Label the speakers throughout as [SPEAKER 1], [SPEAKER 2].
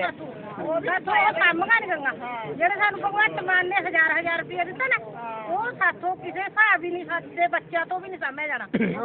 [SPEAKER 1] ਸਾਥੋਂ ਉਹ ਕੰਮ ਕਰ ਗੰਗਾ ਜਿਹੜੇ ਸਾਨੂੰ ਭਗਵੰਤ ਮਾਨ ਨੇ ਹਜ਼ਾਰ ਰੁਪਏ ਦਿੱਤਾ ਨਾ ਉਹ ਸਾਥੋਂ ਕਿਸੇ ਹਿਸਾਬ ਹੀ ਨਹੀਂ ਸਾਡੇ ਬੱਚਿਆਂ ਤੋਂ ਵੀ ਨਹੀਂ ਸਮਝਿਆ ਜਾਣਾ।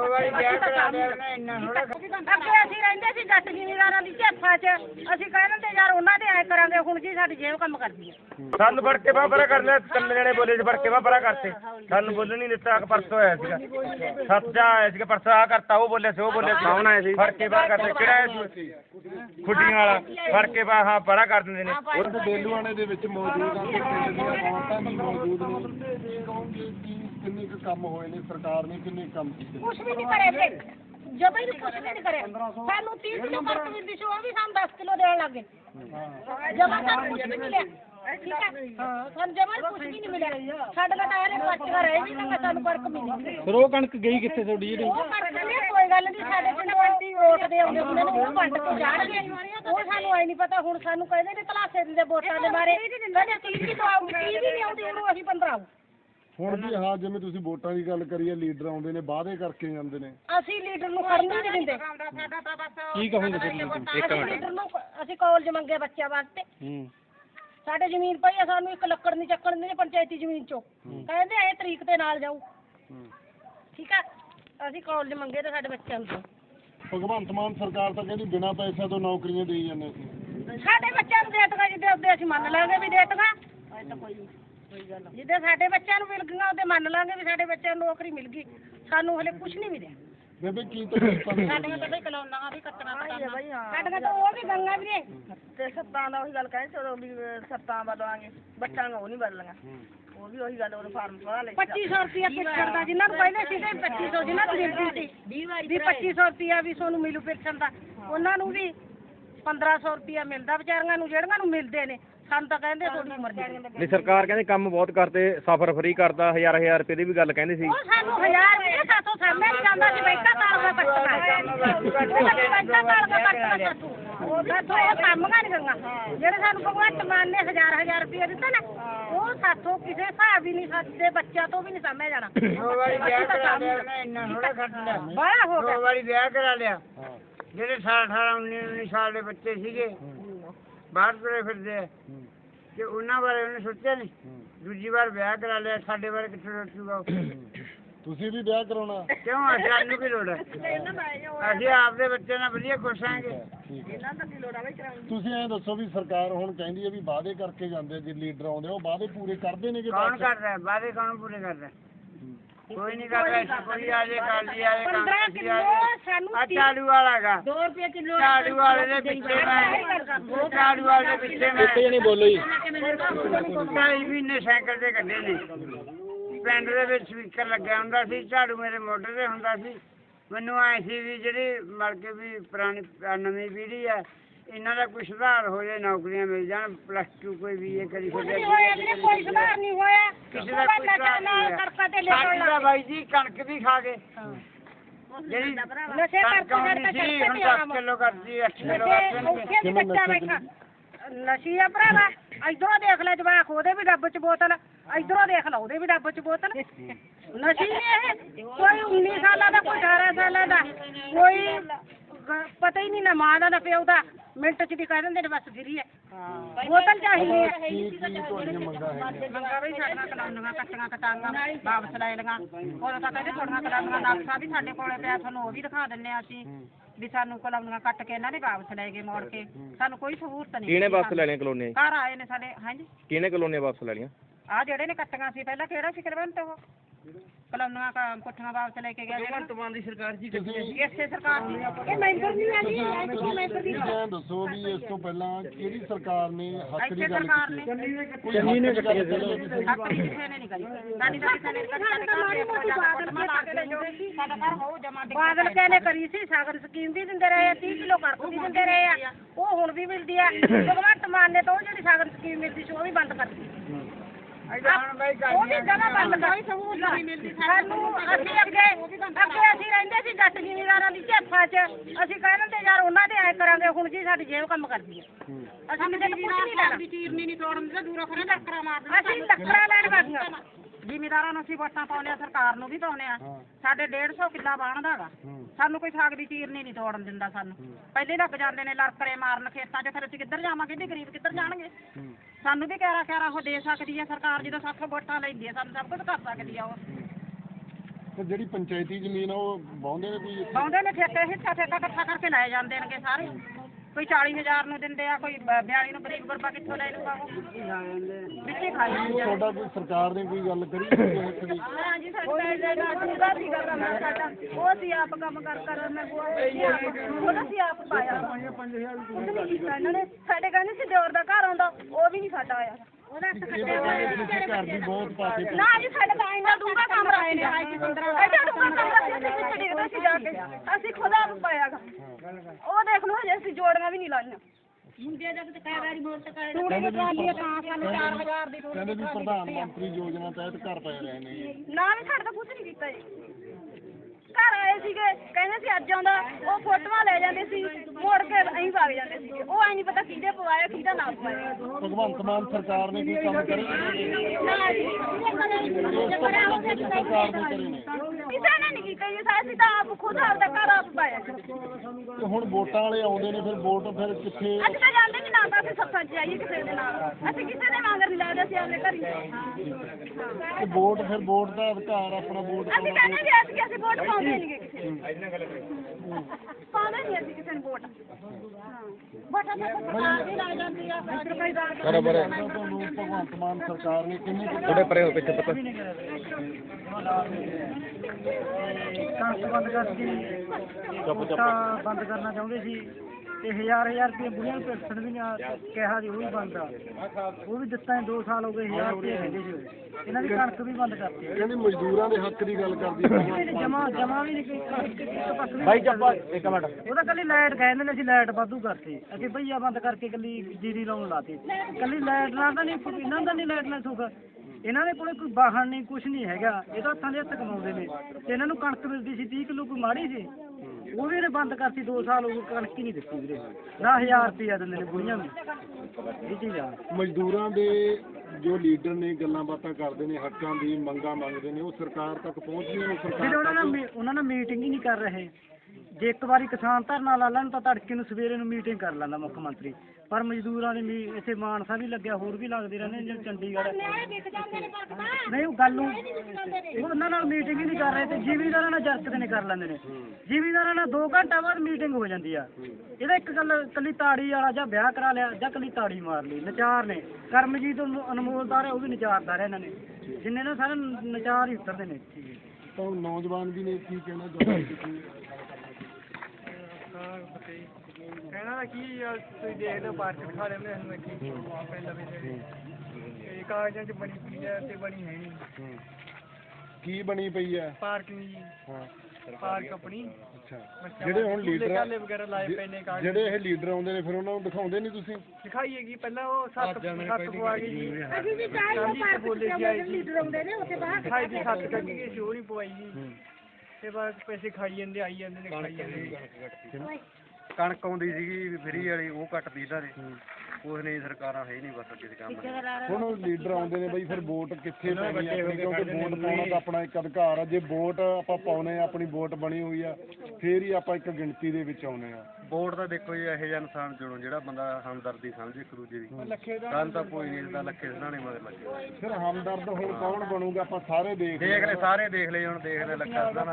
[SPEAKER 1] ਅੱਗੇ ਅਸੀਂ ਰਹਿੰਦੇ ਸੀ ਜੱਟ ਜ਼ਿਮੀਂਦਾਰਾਂ ਦੀ ਝੇਪਾਂ 'ਚ ਅਸੀਂ ਕਹਿੰਦੇ ਤੇ ਯਾਰ ਉਹਨਾਂ ਦੇ ਐ ਕਰਾਂਗੇ ਹੁਣ ਜੀ ਸਾਡੀ ਜੇਬ ਕੰਮ ਕਰਦੀ ਹੈ।
[SPEAKER 2] ਸਾਨੂੰ ਫੜ ਕੇ ਬਾਬਰਾ ਕਰ ਲਿਆ ਤਿੰਨ ਜਣੇ ਬੋਲੇ ਫੜ ਕੇ ਬਾਬਰਾ ਕਰਤੇ ਸਾਨੂੰ ਬੋਲਣ ਨਹੀਂ ਦਿੱਤਾ। ਪਰਸੋਂ ਆਇਆ ਸੀਗਾ ਸੱਤ ਆਇਆ ਸੀਗਾ ਪਰਸੋਂ ਆ ਕਰਤਾ ਉਹ ਬੋਲਿਆ ਸੀ ਉਹ ਬੋਲਿਆ ਕੌਣ ਆਇਆ ਸੀ ਫੜ ਕੇ ਬਾਹਰ ਕਰਦੇ ਕਿਹੜਾ ਆਇਆ ਸੀ ਖੁੱਡੀਆਂ ਵਾਲਾ ਫੜ ਕੇ ਬਾਹਰ ਹਾਂ ਬੜਾ ਕਰ ਦਿੰਦੇ ਨੇ।
[SPEAKER 3] ਉਹ ਡੇਲੂਆਣੇ ਦੇ ਵਿੱਚ ਮੌਜੂਦ ਆ ਤੇ ਪਿੰਡ ਦੀਆਂ ਔਰਤਾਂ ਵੀ ਮੌਜੂਦ ਨੇ ਕੀ ਕਹੋਗੇ ਕਿ ਕਿੰਨੇ ਕੁ ਕੰਮ ਹੋਏ ਨੇ ਸਰਕਾਰ ਨੇ ਕਿੰਨੇ ਕੰਮ ਕੀਤੇ?
[SPEAKER 1] ਕੁਛ ਵੀ ਨਹੀਂ ਕਰੇ ਵੀਰੇ ਜਮਾਂ ਹੀ ਕੁਛ ਵੀ ਨਹੀਂ ਕਰੇ। ਸਾਨੂੰ 30 ਕਿਲੋ ਕਣਕ ਮਿਲਦੀ ਸੀ ਉਹ ਵੀ ਸਾਨੂੰ 10 ਕਿਲੋ ਦੇਣ ਲੱਗੇ ਜਮਾਂ ਸਾਨੂੰ ਕੁਛ ਵੀ ਨਹੀਂ ਮਿਲਿਆ। ਠੀਕ ਹੈ ਹਾਂ ਸਾਨੂੰ ਜਮਾਂ ਕੁਛ ਵੀ ਨਹੀਂ ਮਿਲਿਆ। ਸਾਡੇ ਕੋਲ ਤਾਂ ਇਹ ਬੱਚਾ ਰਹਿ ਵੀ ਨਾ ਸਾਨੂੰ ਕਣਕ ਮਿਲੀ।
[SPEAKER 3] ਫਿਰ ਉਹ ਕਣਕ ਗਈ ਕਿੱਥੇ ਤੁਹਾਡੀ ਜਿਹੜੀ?
[SPEAKER 1] ਉਹ ਕਣਕ ਨੇ ਕੋਈ ਗੱਲ ਨਹੀਂ ਸਾਡੇ ਪਿੰਡੋਂ ਵੋਟ ਦੇ ਆਉਂਦੇ ਹੁੰਦੇ ਨੇ ਉਹ ਵੰਡ ਕੇ ਜਾਣਗੇ ਉਹ ਸਾਨੂੰ ਆਈ ਨਹੀਂ ਪਤਾ। ਹੁਣ ਸਾਨੂੰ ਕਹਿੰਦੇ ਨੇ ਤਲਾਸ਼ੇ ਦਿੰਦੇ ਵੋਟਾਂ ਦੇ ਬਾਰੇ ਕਹਿੰਦੇ 30 ਕਿਲੋ ਆਊਗੀ 30 ਵੀ ਨਹੀਂ ਆਉਂਦੀ ਉਹਨੂੰ ਅਸੀਂ 15 ਆਊ।
[SPEAKER 3] ਹੁਣ ਵੀ ਹਾਂ ਜਿਵੇਂ ਤੁਸੀਂ ਵੋਟਾਂ ਦੀ ਗੱਲ ਕਰੀ ਹੈ ਲੀਡਰ ਆਉਂਦੇ ਨੇ ਵਾਅਦੇ ਕਰਕੇ ਜਾਂਦੇ ਨੇ
[SPEAKER 1] ਅਸੀਂ ਲੀਡਰ ਨੂੰ ਖੜਨ ਨਹੀਂ ਦਿੰਦੇ।
[SPEAKER 3] ਕੀ ਕਹੋਗੇ ਤੁਸੀਂ?
[SPEAKER 1] ਲੀਡਰ ਨੂੰ ਅਸੀਂ ਕਾਲਜ ਮੰਗੇ ਬੱਚਿਆਂ ਵਾਸਤੇ ਸਾਡੇ ਜ਼ਮੀਨ ਪਈ ਆ ਸਾਨੂੰ ਇੱਕ ਲੱਕੜ ਨਹੀਂ ਚੱਕਣ ਦਿੰਦੇ ਪੰਚਾਇਤੀ ਜ਼ਮੀਨ ਚੋਂ ਕਹਿੰਦੇ ਇਹ ਤਰੀਕ ਦੇ ਨਾਲ ਜਾਊ। ਠੀਕ ਆ ਅਸੀਂ ਕਾਲਜ ਮੰਗੇ ਤੇ ਸਾਡੇ ਬੱਚਿਆਂ ਨੂੰ
[SPEAKER 3] ਭਗਵੰਤ ਮਾਨ ਸਰਕਾਰ ਤਾਂ ਕਹਿੰਦੀ ਬਿਨਾਂ ਪੈਸਿਆਂ ਤੋਂ ਨੌਕਰੀਆਂ ਦੇਈ ਜਾਂਦੇ ਸੀ।
[SPEAKER 1] ਸਾਡੇ ਬੱਚਿਆਂ ਨੂੰ ਦੇਤਗਾ ਜਿੱਦੇ ਉਹਦੇ ਅਸੀਂ ਮੰਨ ਲਾਂਗੇ ਵੀ ਦੇਤਗਾ ਜਿੱਦੇ ਸਾਡੇ ਬੱਚਿਆਂ ਨੂੰ ਮਿਲ ਗਈਆਂ ਉਹਦੇ ਮੰਨ ਲਾਂਗੇ ਵੀ ਸਾਡੇ ਬੱਚਿਆਂ ਨੂੰ ਨੌਕਰੀ ਮਿਲ ਗਈ। ਸਾਨੂੰ ਹਲੇ ਕੁਛ ਨਹੀਂ ਮਿਲਿਆ।
[SPEAKER 3] ਬੇਬੇ ਕੀ ਤਕਲੀਫਾਂ ਨੇ?
[SPEAKER 1] ਸਾਡੀਆਂ ਤਾਂ ਬਈ ਕਲੋਨਾਂ ਵੀ ਕੱਟਣਾ ਸਾਡੀਆਂ ਤਾਂ ਉਹ ਵੀ ਗੰਗਾ ਵੀਰੇ
[SPEAKER 4] ਤੇ ਸੱਤਾਂ ਦਾ ਉਹੀ ਗੱਲ ਕਹਿੰਦੇ ਚਲੋ ਵੀ ਸੱਤਾਂ ਬਦਲਾਂਗੇ ਬੱਚਿਆਂ ਨੂੰ ਉਹ ਨਹੀਂ ਬਦਲੀਆਂ ਉਹ ਵੀ ਉਹੀ ਗੱਲ ਉਹਨੂੰ ਫਾਰਮ ਭਰਾ ਲੈ
[SPEAKER 1] 2500 ਰੁਪਇਆ ਪਿੱਛੜ ਦਾ ਜਿਨ੍ਹਾਂ ਨੂੰ ਪਹਿਲੇ ਸੀਗੇ 2500 ਜਿਨ੍ਹਾਂ ਨੂੰ ਮਿਲਦੀ ਸੀ ਵੀ 2500 ਰੁਪਇਆ ਵੀ ਤੁਹਾਨੂੰ ਮਿਲੂ ਪਿੱਛੜ ਦਾ ਉਹਨਾਂ ਨੂੰ ਵੀ 1500 ਰੁਪਇਆ ਮਿਲਦਾ ਵਿਚਾਰੀਆਂ ਨੂੰ ਜਿਹੜੀਆਂ ਨੂੰ ਮਿਲਦੇ ਨੇ। ਸਾਨੂੰ ਤਾਂ ਕਹਿੰਦੇ ਤੁਹਾਡੀ ਉਮਰ ਦੀ
[SPEAKER 2] ਨਹੀਂ ਸਰਕਾਰ ਕਹਿੰਦੇ ਕੰਮ ਬਹੁਤ ਕਰਤੇ ਸਫ਼ਰ ਫਰੀ ਕਰਤਾ ਹਜ਼ਾਰ ਰੁਪਏ ਦੀ ਵੀ ਗੱਲ ਕਹਿੰਦੇ ਸੀ।
[SPEAKER 1] ਉਹ ਸਾਨੂੰ 1000 ਰੁਪਏ ਸਾਥੋਂ ਸਾਹਮਣੇ ਨਹੀਂ ਜਾਂਦਾ ਸੀ ਬੈਠਾ ਤਾਲਗਾ ਕੱਟਣਾ ਬੈਠਾ ਤਾਲਗਾ ਕੱਟਣਾ ਸਾਥੋਂ ਉਹ ਕੰਮ ਕਰ ਗੰਗਾ ਜਿਹੜੇ ਸਾਨੂੰ ਭਗਵੰਤ ਮਾਨ ਨੇ ਹਜ਼ਾਰ ਰੁਪਏ ਦਿੱਤਾ ਨਾ ਉਹ ਸਾਥੋਂ ਕਿਸੇ ਹਿਸਾਬ ਹੀ ਨਹੀਂ ਸਾਡੇ ਬੱਚਿਆਂ ਤੋਂ ਵੀ ਨਹੀਂ ਸਮਝਿਆ ਜਾਣਾ।
[SPEAKER 4] ਦੋ ਵਾਰੀ ਵਿਆਹ ਕਰਾ ਲਿਆ ਉਹਨੇ ਇੰਨਾ ਥੋੜਾ ਖਰਚ ਲਿਆ
[SPEAKER 1] ਬੜਾ ਹੋ ਗਿਆ।
[SPEAKER 4] ਦੋ ਵਾਰੀ ਵਿਆਹ ਕਰਾ ਲਿਆ ਜਿਹੜੇ 18 19 ਸਾਲ ਦੇ ਬੱਚੇ ਸੀਗੇ ਬਾਹਰ ਤੁਰੇ ਫਿਰਦੇ ਆ ਤੇ ਉਹਨਾਂ ਬਾਰੇ ਉਹਨੇ ਸੋਚਿਆ ਨਹੀਂ। ਦੂਜੀ ਵਾਰ ਵਿਆਹ ਕਰਾ ਲਿਆ ਸਾਡੇ ਬਾਰੇ ਕਿੱਥੇ ਸੋਚੂਗਾ?
[SPEAKER 3] ਤੁਸੀਂ ਵੀ ਵਿਆਹ ਕਰਾਉਣਾ?
[SPEAKER 4] ਕਿਉਂ ਸਾਨੂੰ ਕੀ ਲੋੜ ਹੈ? ਅਸੀਂ ਆਪਦੇ ਬੱਚੇ ਨਾਲ ਵਧੀਆ ਖੁਸ਼ ਆਂਗੇ।
[SPEAKER 3] ਤੁਸੀਂ ਐਂ ਦੱਸੋ ਵੀ ਸਰਕਾਰ ਹੁਣ ਕਹਿੰਦੀ ਹੈ ਵੀ ਵਾਅਦੇ ਕਰਕੇ ਜਾਂਦੇ ਜੇ ਲੀਡਰ ਆਉਂਦੇ ਉਹ ਵਾਅਦੇ ਪੂਰੇ ਕਰਦੇ ਨੇ ਕਿ
[SPEAKER 4] ਕੌਣ ਕਰਦਾ ਵਾਅਦੇ ਕੌਣ ਪੂਰੇ ਕਰਦਾ? ਕੋਈ ਨਹੀਂ ਕਰਦਾ। ਕੋਈ ਆ ਜੇ ਕਾਲੀ ਆ ਜੇ ਕਾਂਗਰਸੀ ਆ ਜੇ ਝਾੜੂ ਵਾਲਾ ਗਾ
[SPEAKER 1] 2 ਰੁਪਏ ਕਿਲੋ
[SPEAKER 4] ਝਾੜੂ ਵਾਲੇ ਦੇ ਪਿੱਛੇ ਮੈਂ ਝਾੜੂ ਵਾਲੇ ਦੇ ਪਿੱਛੇ ਮੈਂ
[SPEAKER 3] ਨਹੀਂ ਬੋਲੋ ਜੀ।
[SPEAKER 4] 2.5 ਮਹੀਨੇ ਸਾਈਕਲ ਤੇ ਕੱਢੇ ਨੇ। ਪਿੰਡ ਦੇ ਵਿੱਚ ਸਪੀਕਰ ਲੱਗਿਆ ਹੁੰਦਾ ਸੀ ਝਾੜੂ ਮੇਰੇ ਮੋਢੇ ਤੇ ਹੁੰਦਾ ਸੀ। ਮੈਨੂੰ ਐਂ ਸੀ ਵੀ ਜਿਹੜੀ ਮਤਲਬ ਕਿ ਵੀ ਪੁਰਾਣੀ ਨਵੀਂ ਪੀੜ੍ਹੀ ਆ ਇਹਨਾਂ ਦਾ ਕੋਈ ਸੁਧਾਰ ਹੋ ਜਾਏ ਨੌਕਰੀਆਂ ਮਿਲ ਜਾਣ +2 ਕੋਈ ਵੀ ਇਹ ਕਰੀ
[SPEAKER 1] ਕੋਈ ਸੁਧਾਰ ਨਹੀਂ ਹੋਇਆ
[SPEAKER 4] ਕਿਸੇ ਦਾ ਕੋਈ ਸੁਧਾਰ ਨਹੀਂ ਹੋਇਆ। ਸਾਡੀ ਤਾਂ ਬਾਈ ਜੀ ਕਣਕ ਵੀ ਖਾ ਗਏ ਜਿਹੜੀ
[SPEAKER 1] ਨਸ਼ੇ
[SPEAKER 4] ਕਣਕ ਆਉਂਦੀ ਸੀ ਹੁਣ 10 ਕਿਲੋ ਕਰਦੀ 8 ਕਿਲੋ ਕਰਦੀ।
[SPEAKER 1] ਬੱਚਾ ਬੈਠਾ ਨਸ਼ੀ ਆ ਭਰਾਵਾ ਇਧਰੋਂ ਦੇਖ ਲੈ ਜਵਾਕ ਉਹਦੇ ਵੀ ਡੱਬ ਚ ਬੋਤਲ ਇਧਰੋਂ ਦੇਖ ਲਾ ਉਹਦੇ ਵੀ ਡੱਬ ਚ ਬੋਤਲ ਨਸ਼ੀ ਇਹ ਕੋਈ 19 ਸਾਲਾਂ ਦਾ ਕੋਈ 18 ਸਾਲਾਂ ਦਾ ਕੋਈ ਪਤਾ ਹੀ ਨਹੀਂ ਨਾ ਮਾਂ ਦਾ ਨਾ ਪਿਓ ਦਾ ਮਿੰਟ ਚ ਵੀ ਕਹਿ ਦਿੰਦੇ ਨੇ ਬਸ ਗਿਰੀ ਹੈ ਬੋਤਲ ਚਾਹੀਦੀ ਹੈ। ਮੰਗਾ ਵੀ ਸਾਡੀਆਂ ਕਲਾਉਣੀਆਂ ਕੱਟੀਆਂ ਕਟਾਂਗਾ ਵਾਪਸ ਲੈ ਲਈਆਂ ਉਦੋਂ ਤਾਂ ਕਹਿੰਦੇ ਤੁਹਾਡੀਆਂ ਕਲਾਉਣੀਆਂ ਨਕਸ਼ਾ ਵੀ ਸਾਡੇ ਕੋਲੇ ਪਿਆ ਤੁਹਾਨੂੰ ਉਹ ਵੀ ਦਿਖਾ ਦਿੰਦੇ ਆ ਅਸੀਂ ਵੀ ਸਾਨੂੰ ਕਲਾਉਣੀਆਂ ਕੱਟ ਕੇ ਇਹਨਾਂ ਨੇ ਵਾਪਸ ਲੈ ਗਏ ਮੋੜ ਕੇ ਸਾਨੂੰ ਕੋਈ ਸਹੂਲਤ ਨਹੀਂ।
[SPEAKER 2] ਕਿਹਨੇ ਵਾਪਸ ਲੈਣੀਆਂ ਕਲੋਨੀਆਂ?
[SPEAKER 1] ਘਰ ਆਏ ਨੇ ਸਾਡੇ ਹਾਂਜੀ
[SPEAKER 2] ਕਿਹਨੇ ਕਲੋਨੀਆਂ ਵਾਪਸ ਲੈਣੀਆਂ?
[SPEAKER 1] ਆ ਜਿਹੜੇ ਨੇ ਕੱਟੀਆਂ ਸੀ ਪਹਿਲਾਂ ਕਿਹੜਾ ਸੀ ਕੁਲਵੰਤ ਉਹ ਕਲਾਉਣੀਆਂ ਕੋਠੀਆਂ ਵਾਪਸ ਲੈ ਕੇ ਗਿਆ
[SPEAKER 4] ਭਗਵੰਤ ਮਾਨ ਦੀ ਸਰਕਾਰ ਜੀ
[SPEAKER 1] ਇਸੇ ਸਰਕਾਰ ਦੀ ਇਹ ਮੈਂਬਰ ਨਹੀਂ ਆ ਜੀ ਮੈਂਬਰ ਦੀ
[SPEAKER 3] ਇਹ ਦੱਸੋ ਵੀ ਇਸ ਤੋਂ ਪਹਿਲਾਂ ਕਿਹੜੀ ਸਰਕਾਰ ਨੇ ਹੱਕ ਦੀ ਗੱਲ
[SPEAKER 1] ਸਰਕਾਰ ਨੇ
[SPEAKER 3] ਕੀਤੀ? ਚੰਨੀ ਨੇ ਕੱਟੀ
[SPEAKER 1] ਹੱਕ ਦੀ ਕਿਸੇ ਨੇ ਨਹੀਂ ਕਰੀ ਸਾਡੀ ਤਾਂ ਕਿਸੇ ਨੇ ਬਾਦਲ ਕਹਿੰਦੇ ਕਰੀ ਸੀ ਸਾਗਰ ਸਕੀਮ ਵੀ ਦਿੰਦੇ ਰਹੇ ਆ 30 ਕਿਲੋ ਕਣਕ ਵੀ ਦਿੰਦੇ ਰਹੇ ਆ ਉਹ ਹੁਣ ਵੀ ਮਿਲਦੀ ਆ। ਭਗਵੰਤ ਮਾਨ ਨੇ ਤਾਂ ਉਹ ਜਿਹੜੀ ਸਾਗਰ ਸਕੀਮ ਮਿਲਦੀ ਸੀ ਉਹ ਵੀ ਬੰਦ ਕਰ ਦਿੱਤੀ। ਉਹ ਵੀ ਜਗ੍ਹਾ ਬੰਦ ਕਰਾਈ ਸਹੂਲਤ ਨਹੀਂ ਮਿਲਦੀ ਸਾਨੂੰ। ਅਸੀਂ ਅੱਗੇ ਅਸੀਂ ਰਹਿੰਦੇ ਸੀ ਜੱਟ ਜ਼ਿਮੀਂਦਾਰਾਂ ਦੀ ਝੇਪਾਂ 'ਚ ਅਸੀਂ ਕਹਿੰਦੇ ਤੇ ਯਾਰ ਉਹਨਾਂ ਦੇ ਐ ਕਰਾਂਗੇ ਹੁਣ ਜੀ ਸਾਡੀ ਜੇਬ ਕੰਮ ਕਰਦੀ ਹੈ। ਅਸੀਂ ਕਿਸੇ ਨੂੰ ਕੁਝ ਨਹੀਂ ਲੈਣਾ ਚੀਰਨੀ ਨਹੀਂ ਤੋੜਨ ਦੇ ਦੂਰੋਂ ਖਰੇ ਲੱਕੜਾਂ ਮਾਰਦੇ ਅਸੀਂ ਲੱਕੜਾਂ ਲੈਣ ਵਾਗੀਆਂ ਜ਼ਿਮੀਦਾਰਾਂ ਨੂੰ ਅਸੀਂ ਵੋਟਾਂ ਪਾਉਂਦੇ ਆ, ਸਰਕਾਰ ਨੂੰ ਵੀ ਪਾਉਂਦੇ ਆ। ਸਾਡੇ 150 ਕਿੱਲਾ ਬਾਣਦਾ ਹੈਗਾ, ਸਾਨੂੰ ਕੋਈ ਸਾਗ ਦੀ ਚੀਰਨੀ ਨਹੀਂ ਤੋੜਨ ਦਿੰਦਾ ਸਾਨੂੰ। ਪਹਿਲੇ ਲੱਗ ਜਾਂਦੇ ਨੇ ਲੜਕਰੇ ਮਾਰਨ ਖੇਤਾਂ 'ਚ, ਫਿਰ ਅਸੀਂ ਕਿੱਧਰ ਜਾਵਾਂਗੇ ਜੀ, ਗਰੀਬ ਕਿੱਧਰ ਜਾਣਗੇ? ਸਾਨੂੰ ਵੀ ਕਿਹੜਾ ਉਹ ਦੇ ਸਕਦੀ ਹੈ ਸਰਕਾਰ, ਜਦੋਂ ਸਾਥੋਂ ਵੋਟਾਂ ਲੈਂਦੀ ਹੈ ਸਾਨੂੰ ਸਭ ਕੁਝ ਕਰ ਸਕਦੀ ਆ ਉਹ।
[SPEAKER 3] ਤੇ ਜਿਹੜੀ ਪੰਚਾਇਤੀ ਜ਼ਮੀਨ ਆ ਉਹ ਵਾਹੁੰਦੇ ਨੇ ਕੋਈ?
[SPEAKER 1] ਪਾਉਂਦੇ ਨੇ ਠੇਕੇ, ਹਿੱਸਾ ਠੇਕਾ ਇਕੱਠਾ ਕਰਕੇ ਲੈ ਜਾਂਦੇ ਨੇਗੇ ਸਾਰੇ। ਕੋਈ 40,000 ਨੂੰ ਦਿੰਦੇ ਆ, ਕੋਈ 42 ਨੂੰ। ਗਰੀਬ ਗੁਰਬਾ ਕਿੱਥੋਂ ਲੈ ਲੂਗਾ ਉਹ? ਵਿੱਚੇ ਖਾ ਜਾਂਦੇ ਆ।
[SPEAKER 3] ਤੁਹਾਡਾ ਕੋਈ ਸਰਕਾਰ ਨੇ ਕੋਈ ਗੱਲ ਕਰੀ ਕਿਸੇ ਹੱਕ ਦੀ?
[SPEAKER 1] ਹਾਂਜੀ ਸਾਡੀ ਸਾਡਾ ਉਹ ਅਸੀਂ ਆਪ ਕੰਮ ਕਰ ਮੈਂ ਉਹਦਾ ਅਸੀਂ ਆਪ ਪਾਇਆ। ਇਹਨਾਂ ਨੇ ਸਾਡੇ ਕਹਿੰਦੇ ਸੀ ਦਿਓਰ ਦਾ ਘਰ ਆਉਂਦਾ, ਉਹ ਵੀ ਨਹੀਂ ਸਾਡਾ ਆਇਆ। ਉਹਦਾ
[SPEAKER 3] ਘਰ ਦੀ ਬਹੁਤ ਪਾਸੇ
[SPEAKER 1] ਨਾ ਜੀ, ਸਾਡੇ ਤਾਂ ਇੰਨਾ ਡੂੰਘਾ ਕਮਰਾ ਆਏ ਨੇ, ਐਡਾ ਡੂੰਘਾ ਕਮਰਾ ਸੀ, ਅਸੀਂ ਪਿੱਛੇ ਡਿੱਗਦੇ ਸੀ ਜਾ ਕੇ, ਅਸੀਂ ਖੁਦ ਆਪ ਪਾਇਆਗਾ। ਉਹ ਦੇਖ ਲਓ ਹਜੇ ਅਸੀਂ ਜੋੜੀਆਂ ਵੀ ਨਹੀਂ ਲਾਈਆਂ। ਮੁੰਡੇ ਜਦ ਤੱਕ ਕਈ ਵਾਰੀ ਮੋੜ ਤੱਕ ਟੂੜੀ ਦੀ ਟਰਾਲੀ ਤਾਂ ਸਾਨੂੰ 4,000 ਦੀ
[SPEAKER 3] ਕਹਿੰਦੇ ਵੀ ਪ੍ਰਧਾਨ ਮੰਤਰੀ ਯੋਜਨਾ ਤਹਿਤ ਘਰ ਪਏ ਰਹੇ ਨੇ।
[SPEAKER 1] ਨਾ ਵੀ ਸਾਡੇ ਤਾਂ ਕੁਝ ਨਹੀਂ ਕੀਤਾ ਜੀ। ਘਰ ਆਏ ਸੀਗੇ, ਕਹਿੰਦੇ ਸੀ ਅੱਜ ਆਉਂਦਾ, ਉਹ ਫੋਟੋਆਂ ਲੈ ਜਾਂਦੇ ਸੀ, ਮੋੜ ਕੇ ਅਸੀਂ ਵਗ ਜਾਂਦੇ ਸੀਗੇ। ਉਹ ਐ ਨਹੀਂ ਪਤਾ ਕਿਹਦੇ ਪਵਾਇਆ ਕਿਹਦਾ ਨਾ ਪਵਾਇਆ।
[SPEAKER 3] ਭਗਵੰਤ ਮਾਨ ਸਰਕਾਰ ਨੇ ਕੋਈ ਕੰਮ ਕਰੇ?
[SPEAKER 1] ਨਾ ਜੀ,
[SPEAKER 3] ਸਰਕਾਰ ਨੇ ਕਰੇ ਨੇ।
[SPEAKER 1] ਕਿਸੇ ਨੇ ਨਹੀਂ ਕੀਤਾ ਜੀ, ਅਸੀਂ ਤਾਂ ਆਪ ਖੁਦ ਆਪਦਾ ਘਰ ਆਪ ਪਾਇਆ।
[SPEAKER 3] ਤੇ ਹੁਣ ਵੋਟਾਂ ਵਾਲੇ ਆਉਂਦੇ ਨੇ, ਫਿਰ ਵੋਟ ਫਿਰ ਕਿੱਥੇ?
[SPEAKER 1] ਅਸੀਂ ਤਾਂ ਜਾਂਦੇ ਨਹੀਂ, ਨਾ ਤਾਂ ਅਸੀਂ ਸੱਥਾਂ 'ਚ ਜਾਈਏ ਕਿਸੇ ਦੇ ਨਾਲ, ਅਸੀਂ ਕਿਸੇ ਦੇ ਮਗਰ ਨਹੀਂ ਲੱਗਦੇ, ਅਸੀਂ ਆਪਣੇ ਘਰ ਹੀ।
[SPEAKER 3] ਤੇ ਵੋਟ ਫਿਰ ਵੋਟ ਦਾ ਅਧਿਕਾਰ ਆਪਣਾ ਵੋਟ
[SPEAKER 1] ਅਸੀਂ ਕਹਿੰਦੇ ਜੀ ਅਸੀਂ ਵੋਟ ਪਾਉਂਦੇ ਨਹੀਂ ਕਿਸੇ ਨੂੰ, ਪਾਉਂਦੇ ਨਹੀਂ ਅਸੀਂ ਕਿਸੇ ਨੂੰ ਵੋਟ। ਵੋਟਾਂ ਤਾਂ ਸਰਕਾਰ ਦੀ ਲੱਗ ਜਾਂਦੀ ਆ।
[SPEAKER 3] ਤੁਹਾਨੂੰ ਭਗਵੰਤ ਮਾਨ ਸਰਕਾਰ ਨੇ ਕਿੰਨੀ
[SPEAKER 2] ਥੋੜੇ ਪਰੇ ਹੋ ਪਿੱਛੇ ਪਤਾ
[SPEAKER 5] ਕਣਕ ਬੰਦ ਕਰਤੀ, ਵੋਟਾਂ ਬੰਦ ਕਰਨਾ ਚਾਹੁੰਦੇ ਸੀ, ਤੇ 1000 ਰੁਪਏ ਬੁੜੀਆਂ ਨੂੰ ਪੈਨਸ਼ਨ ਵੀ ਨਹੀਂ ਕਿਹਾ ਜੀ, ਉਹ ਵੀ ਬੰਦ ਆ। ਉਹ ਵੀ ਦਿੱਤਾ 2 ਸਾਲ ਹੋ ਗਏ, 1000 ਰੁਪਏ ਕਹਿੰਦੇ ਸੀ। ਇਹਨਾਂ ਦੀ ਕਣਕ ਵੀ ਬੰਦ ਕਰਤੀ।
[SPEAKER 3] ਕਹਿੰਦੇ ਮਜ਼ਦੂਰਾਂ ਦੇ ਹੱਕ ਦੀ ਗੱਲ ਕਰਦੀ
[SPEAKER 5] ਜਮਾ ਵੀ ਨਹੀਂ
[SPEAKER 2] ਭਾਈ ਜੱਪਾ ਇੱਕ ਮਿੰਟ।
[SPEAKER 5] ਉਹਦਾ ਕੱਲੀ ਲਾਈਟ ਕਹਿੰਦੇ ਨੇ, ਅਸੀਂ ਲਾਈਟ ਵਾਧੂ ਕਰਤੀ, ਅਸੀਂ ਭਈਆ ਬੰਦ ਕਰਕੇ ਕੱਲੀ ਜੀਰੀ ਲਾਉਣ ਲਾਤੀ। ਕੱਲੀ ਲਾਈਟ ਨਾਲ ਤਾਂ ਨਹੀਂ, ਇਹਨਾਂ ਦਾ ਨਹੀਂ ਲਾਈਟ ਨਾਲ ਸੁੱਖ। ਇਹਨਾਂ ਦੇ ਕੋਲੇ ਕੋਈ ਵਾਹਨ ਨਹੀਂ, ਕੁਛ ਨਹੀਂ ਹੈਗਾ, ਇਹ ਤਾਂ ਹੱਥਾਂ ਦੇ ਹੱਥ ਕਮਾਉਂਦੇ ਨੇ। ਤੇ ਇਹਨਾਂ ਨੂੰ ਕਣਕ ਮਿਲਦੀ ਸੀ 30 ਕਿਲੋ, ਕੋਈ ਮਾੜੀ ਸੀ, ਉਹ ਵੀ ਇਹਨੇ ਬੰਦ ਕਰਤੀ। 2 ਸਾਲ ਹੋ ਗਏ, ਕਣਕ ਹੀ ਨਹੀਂ ਦਿੱਤੀ ਵੀਰੇ, ਨਾ 1000 ਰੁਪਇਆ ਦਿੰਦੇ ਨੇ ਬੁੜੀਆਂ ਨੂੰ। ਇਹ ਚੀਜ਼ ਆ।
[SPEAKER 3] ਮਜ਼ਦੂਰਾਂ ਦੇ ਜੋ ਲੀਡਰ ਨੇ ਗੱਲਾਂ ਬਾਤਾਂ ਕਰਦੇ ਨੇ, ਹੱਕਾਂ ਦੀ ਮੰਗਾਂ ਮੰਗਦੇ ਨੇ, ਉਹ ਸਰਕਾਰ ਤੱਕ ਪਹੁੰਚਦੀਆਂ ਨੇ?
[SPEAKER 5] ਵੀਰੇ ਉਹਨਾਂ ਨਾਲ ਮੀਟਿੰਗ ਹੀ ਨਹੀਂ ਕਰ ਰਹੇ। ਜੇ ਇੱਕ ਵਾਰੀ ਕਿਸਾਨ ਧਰਨਾ ਲਾ ਲੈਣ ਤਾਂ ਤੜਕੇ ਨੂੰ ਸਵੇਰੇ ਨੂੰ ਮੀਟਿੰਗ ਕਰ ਲੈਂਦਾ ਮੁੱਖ ਮੰਤਰੀ, ਪਰ ਮਜ਼ਦੂਰਾਂ ਦੀ ਇੱਥੇ ਮਾਨਸਾ ਵੀ ਲੱਗਿਆ, ਹੋਰ ਵੀ ਲੱਗਦੇ ਰਹਿੰਦੇ ਨੇ, ਚੰਡੀਗੜ੍ਹ। ਨਹੀਂ ਉਹ ਗੱਲ ਨੂੰ ਉਹਨਾਂ ਨਾਲ ਮੀਟਿੰਗ ਹੀ ਨਹੀਂ ਕਰ ਰਹੇ, ਤੇ ਜ਼ਿਮੀਂਦਾਰਾਂ ਨਾਲ ਜਰਕਦੇ ਨੇ ਕਰ ਲੈਂਦੇ ਨੇ। ਜ਼ਿਮੀਂਦਾਰਾਂ ਨਾਲ 2 ਘੰਟਾ ਬਾਅਦ ਮੀਟਿੰਗ ਹੋ ਜਾਂਦੀ ਆ। ਇਹਦਾ ਇੱਕ ਗੱਲ, ਕੱਲੀ ਤਾੜੀ ਵਾਲਾ ਜਾਂ ਵਿਆਹ ਕਰਾ ਲਿਆ ਜਾਂ ਕੱਲੀ ਤਾੜੀ ਮਾਰ ਲਈ। ਨਚਾਰ ਨੇ ਕਰਮਜੀਤ ਅਨਮੋਲਦਾਰ, ਉਹ ਵੀ ਨਚਾਰਦਾਰ ਇਹਨਾਂ ਨੇ, ਜਿੰਨੇ ਨਾ ਸਾਰੇ ਨਚਾਰ ਹੀ ਉਤਰਦੇ ਨੇ।
[SPEAKER 3] ਤਾਂ ਨੌਜਵਾਨ ਵੀ ਨੇ, ਕੀ ਕਹਿਣਾ ਚਾਹੁੰਦੇ?
[SPEAKER 5] ਕਹਿਣਾ ਦਾ ਕੀ ਆ, ਤੁਸੀਂ ਦੇਖ ਲਓ ਪਾਰਕ ਦਿਖਾ ਲੈਂਦੇ ਸਾਨੂੰ ਇੱਥੇ ਆਪਣੇ ਲਵੇ ਤੇ ਕਾਗਜ਼ਾਂ 'ਚ ਬਣੀ ਪਈ ਹੈ ਤੇ ਬਣੀ ਹੈ ਨਹੀਂ।
[SPEAKER 3] ਕੀ ਬਣੀ ਪਈ ਹੈ?
[SPEAKER 5] ਪਾਰਕਿੰਗ ਜੀ, ਪਾਰਕ ਆਪਣੀ।
[SPEAKER 3] ਅੱਛਾ, ਜਿਹੜੇ ਹੁਣ ਲੀਡਰ
[SPEAKER 5] ਵਗੈਰਾ ਲਾਏ ਪਏ ਨੇ ਕਾਗਜ਼,
[SPEAKER 3] ਜਿਹੜੇ ਇਹ ਲੀਡਰ ਆਉਂਦੇ ਨੇ, ਫਿਰ ਉਹਨਾਂ ਨੂੰ ਦਿਖਾਉਂਦੇ ਨਹੀਂ ਤੁਸੀਂ?
[SPEAKER 5] ਦਿਖਾਈਏਗੀ ਪਹਿਲਾਂ ਉਹ 7 ਪਵਾ ਗਏ ਜੀ,
[SPEAKER 1] ਅਸੀਂ ਵੀ ਚਾਹੀਏ ਬੋਲੇ ਸੀ ਲੀਡਰ ਆਉਂਦੇ ਨੇ ਉੱਥੇ ਬਾਹਰ
[SPEAKER 5] ਦਿਖਾਈ ਦੀ 7 ਕੱਢ ਕੇ ਸੀ, ਉਹ ਨਹੀਂ ਪਵਾਈ ਜੀ। ਤੇ ਬਸ ਪੈਸੇ ਖਾਈ ਜਾਂਦੇ, ਆਈ ਜਾਂਦੇ ਨੇ, ਖਾਈ ਜਾਂਦੇ ਨੇ।
[SPEAKER 2] ਕਣਕ ਆਉਂਦੀ ਸੀਗੀ ਫਰੀ ਵਾਲੀ, ਉਹ ਕੱਟਦੀ ਇਹਨਾਂ ਨੇ। ਕੁਛ ਨਹੀਂ, ਸਰਕਾਰਾਂ ਹੈ ਨਹੀਂ ਬਸ ਕਿਸੇ ਕੰਮ।
[SPEAKER 3] ਹੁਣ ਲੀਡਰ ਆਉਂਦੇ ਨੇ ਬਈ, ਫਿਰ ਵੋਟ ਕਿੱਥੇ ਪੈਣੀ ਹੈ? ਕਿਉਂਕਿ ਵੋਟ ਪਾਉਣਾ ਤਾਂ ਆਪਣਾ ਇੱਕ ਅਧਿਕਾਰ ਆ। ਜੇ ਵੋਟ ਆਪਾਂ ਪਾਉਨੇ ਆ, ਆਪਣੀ ਵੋਟ ਬਣੀ ਹੋਈ ਆ, ਫੇਰ ਹੀ ਆਪਾਂ ਇੱਕ ਗਿਣਤੀ ਦੇ ਵਿੱਚ ਆਉਨੇ ਆ।
[SPEAKER 2] ਵੋਟ ਤਾਂ ਦੇਖੋ ਜੀ, ਇਹੋ ਜਿਹਾ ਇਨਸਾਨ ਚੁਣੋ ਜਿਹੜਾ ਬੰਦਾ ਹਮਦਰਦੀ ਸਮਝੇ ਇੱਕ ਦੂਜੇ ਦੀ। ਕੱਲ ਤਾਂ ਕੋਈ ਨਹੀਂ ਇਸਦਾ ਲੱਖੇ ਸਧਾਣੇ ਮਗਰ ਲੱਗੇ।
[SPEAKER 3] ਫਿਰ ਹਮਦਰਦ ਹੁਣ ਕੌਣ ਬਣੂਗਾ? ਆਪਾਂ ਸਾਰੇ ਦੇਖ
[SPEAKER 2] ਦੇਖ ਲੈ, ਸਾਰੇ ਦੇਖ ਲਏ, ਹੁਣ ਦੇਖਦੇ ਲੱਖਾ ਸਧਾਣਾ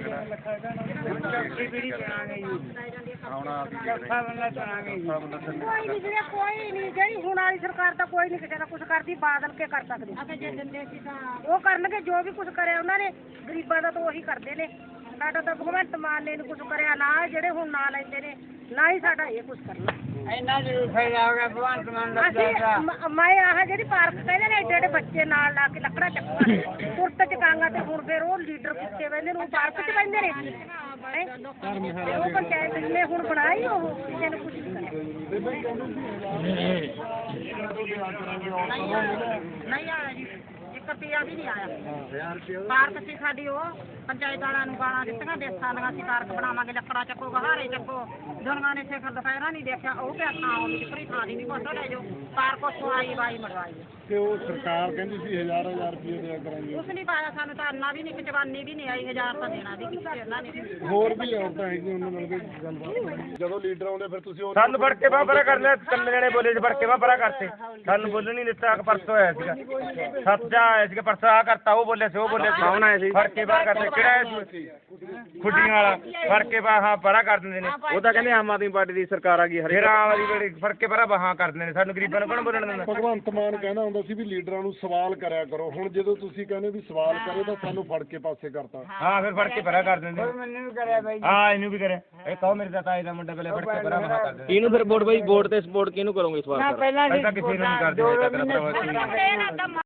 [SPEAKER 2] ਆਉਣਾ।
[SPEAKER 1] ਕੋਈ ਨਹੀਂ ਵੀਰੇ, ਕੋਈ ਨਹੀਂ। ਜਿਹੜੀ ਹੁਣ ਵਾਲੀ ਸਰਕਾਰ ਤਾਂ ਕੋਈ ਨਹੀਂ ਕਿਸੇ ਦਾ ਕੁਝ ਕਰਦੀ, ਬਾਦਲ ਕੇ ਕਰ ਸਕਦੇ। ਉਹ ਕਰਨਗੇ ਜੋ ਵੀ ਕੁਝ ਕਰਿਆ ਉਹਨਾਂ ਨੇ, ਗਰੀਬਾਂ ਦਾ ਤਾਂ ਉਹੀ ਕਰਦੇ ਨੇ। ਸਾਡਾ ਤਾਂ ਭਗਵੰਤ ਮਾਨ ਨੇ ਕੁਝ ਕਰਿਆ ਨਾ, ਜਿਹੜੇ ਹੁਣ ਨਾ ਲੈਂਦੇ ਨੇ, ਨਾ ਹੀ ਸਾਡਾ ਇਹ ਕੁਝ ਕਰਨਾ।
[SPEAKER 4] ਇੰਨਾ ਜ਼ਰੂਰ ਫਾਇਦਾ ਹੋ ਗਿਆ ਭਗਵੰਤ ਮਾਨ ਦਾ।
[SPEAKER 1] ਮੈਂ ਆਹ ਜਿਹੜੀ ਪਾਰਕ ਕਹਿੰਦੇ ਨੇ, ਏਡੇ ਏਡੇ ਬੱਚੇ ਨਾਲ ਲਾ ਕੇ ਲੱਕੜਾਂ ਚੱਕਣਾ, ਤੁਰਤ ਚਕਾਂਗਾ, ਤੇ ਹੁਣ ਫਿਰ ਉਹ ਲੀਡਰ ਕਿੱਥੇ ਬਹਿੰਦੇ ਨੇ, ਉਹ ਪਾਰਕ 'ਚ ਬਹਿੰਦੇ ਨੇ। ਉਹ ਪੰਚਾਇਤ ਨੇ ਹੁਣ ਬਣਾਈ, ਉਹ ਕਿਸੇ ਨੇ ਕੁਝ ਨਹੀਂ ਕਰਿਆ। ਨਹੀਂ ਆਇਆ ਜੀ, 1 ਰੁਪਿਆ ਵੀ ਨਹੀਂ ਆਇਆ ਪਾਰਕ ਸੀ ਸਾਡੀ ਉਹ ਪੰਚਾਇਤ ਵਾਲਿਆਂ ਨੂੰ ਗਾਲਾਂ ਦਿੱਤੀਆਂ ਦੇਸਾਂ ਦੀਆਂ ਅਸੀਂ ਪਾਰਕ ਬਣਾਵਾਂਗੇ ਲੱਕੜਾਂ ਚੱਕੋ ਗਹਾਰੇ ਚੱਕੋ ਦੁਨੀਆਂ ਨੇ ਸਿਖਰ ਦੁਪਹਿਰਾ ਨਹੀਂ ਦੇਖਿਆ ਉਹ ਕਿਆ ਥਾਂ ਉਹ ਨਿਕਰੀ ਥਾਂ ਦੀ ਨਹੀਂ ਕੋਸਾ ਲੈ ਜਾਓ ਪਾਰਕ ਉੱਥੋਂ ਆਈ ਬਾਈ ਮੜਵਾਈ
[SPEAKER 3] ਤੇ ਉਹ ਸਰਕਾਰ ਕਹਿੰਦੀ ਸੀ ਹਜ਼ਾਰ ਰੁਪਏ ਦਿਆ ਕਰਾਂਗੇ।
[SPEAKER 1] ਕੁਛ ਨਹੀਂ ਪਾਇਆ ਸਾਨੂੰ ਤਾਂ ਅੰਨਾ ਵੀ ਨਹੀਂ ਇੱਕ ਜਵਾਨੀ ਵੀ ਨਹੀਂ ਆਈ 1000 ਤਾਂ ਦੇਣਾ ਦੀ ਕਿਸੇ ਉਹਨਾਂ ਨੇ
[SPEAKER 3] ਹੋਰ ਵੀ ਔਰਤਾਂ ਹੈਗੀਆਂ ਉਹਨਾਂ ਨਾਲ ਵੀ ਗੱਲਬਾਤ ਜਦੋਂ ਲੀਡਰ ਆਉਂਦੇ ਫਿਰ ਤੁਸੀਂ ਉਹ
[SPEAKER 2] ਸਾਨੂੰ ਫੜ ਕੇ ਬਾਹਰ ਪਰਾਂ ਕਰ ਲਿਆ, ਤਿੰਨ ਜਣੇ ਬੋਲੇ ਫੜ ਕੇ ਬਾਹਰ ਪਰਾਂ ਕਰਤੇ, ਸਾਨੂੰ ਬੋਲਣ ਨਹੀਂ ਦਿੱਤਾ। ਪਰਸੋਂ ਆਇਆ ਸੀਗਾ, ਸੱਤ ਜਾ ਆਇਆ ਸੀਗਾ ਪਰਸੋਂ, ਆ ਕਰਤਾ ਉਹ ਬੋਲਿਆ ਸੀ ਉਹ ਬੋਲਿਆ ਸੀ, ਕੌਣ ਆਇਆ ਸੀ ਫੜ ਕੇ ਬਾਹਰ ਕਰਤੇ, ਕਿਹੜਾ ਆਇਆ ਸੀ ਖੁੱਡੀਆਂ ਵਾਲਾ, ਫੜ ਕੇ ਬਾਹਰ ਹਾਂ ਪਰਾਂ ਕਰ ਦਿੰਦੇ ਨੇ। ਉਹ ਤਾਂ ਕਹਿੰਦੇ ਆਮ ਆਦਮੀ ਪਾਰਟੀ ਦੀ ਸਰਕਾਰ ਆ ਗਈ, ਫਿਰ ਆਮ ਆਦਮੀ ਪਾਰਟੀ ਫੜ ਕੇ ਪਰਾਂ ਬਾਹਾਂ ਕਰ ਦਿੰਦੇ ਨੇ, ਸਾਨੂੰ ਗਰੀਬਾਂ ਨੂੰ ਕੌਣ ਬੋਲਣ ਦਿੰਦਾ।
[SPEAKER 3] ਭਗਵੰਤ ਮਾਨ ਕਹਿੰਦਾ ਹੁੰਦਾ ਸੀ ਵੀ ਲੀਡਰਾਂ ਨੂੰ ਸਵਾਲ ਕਰਿਆ ਕਰੋ, ਹੁਣ ਜਦੋਂ ਤੁਸੀਂ ਕਹਿੰਦੇ ਵੀ ਸਵਾਲ ਕਰੇ ਤਾਂ ਸਾਨੂੰ ਫੜ ਕੇ ਪਾਸੇ ਕਰਤਾ।
[SPEAKER 2] ਹਾਂ ਫਿਰ ਫੜ ਕੇ ਪਰਾਂ ਕਰ ਦਿੰਦੇ।
[SPEAKER 4] ਮੈਨੂੰ ਵੀ ਕਰਿਆ ਬਾਈ
[SPEAKER 2] ਹਾਂ ਇਹਨੂੰ ਵੀ ਕਰਿਆ, ਇਹ ਕਹੋ ਮੇਰੇ ਤਾਏ ਦਾ ਮੁੰਡਾ ਪਹਿਲੇ ਫੜ ਕੇ ਪਰਾਂ ਬਾਹਾਂ ਕਰ ਦਿੰਦੇ।
[SPEAKER 6] ਇਹਨੂੰ ਫਿਰ ਵੋਟ ਬਾਈ ਵੋਟ ਤੇ ਸਪੋਰਟ ਕਿਹਨੂੰ ਕਰੋਗੇ ਇਸ ਵਾਰ?
[SPEAKER 4] ਪਹਿਲਾਂ
[SPEAKER 2] ਅਸੀਂ ਤਾਂ ਕਿਸੇ ਨੂੰ ਨਹੀਂ ਕਰਦੇ।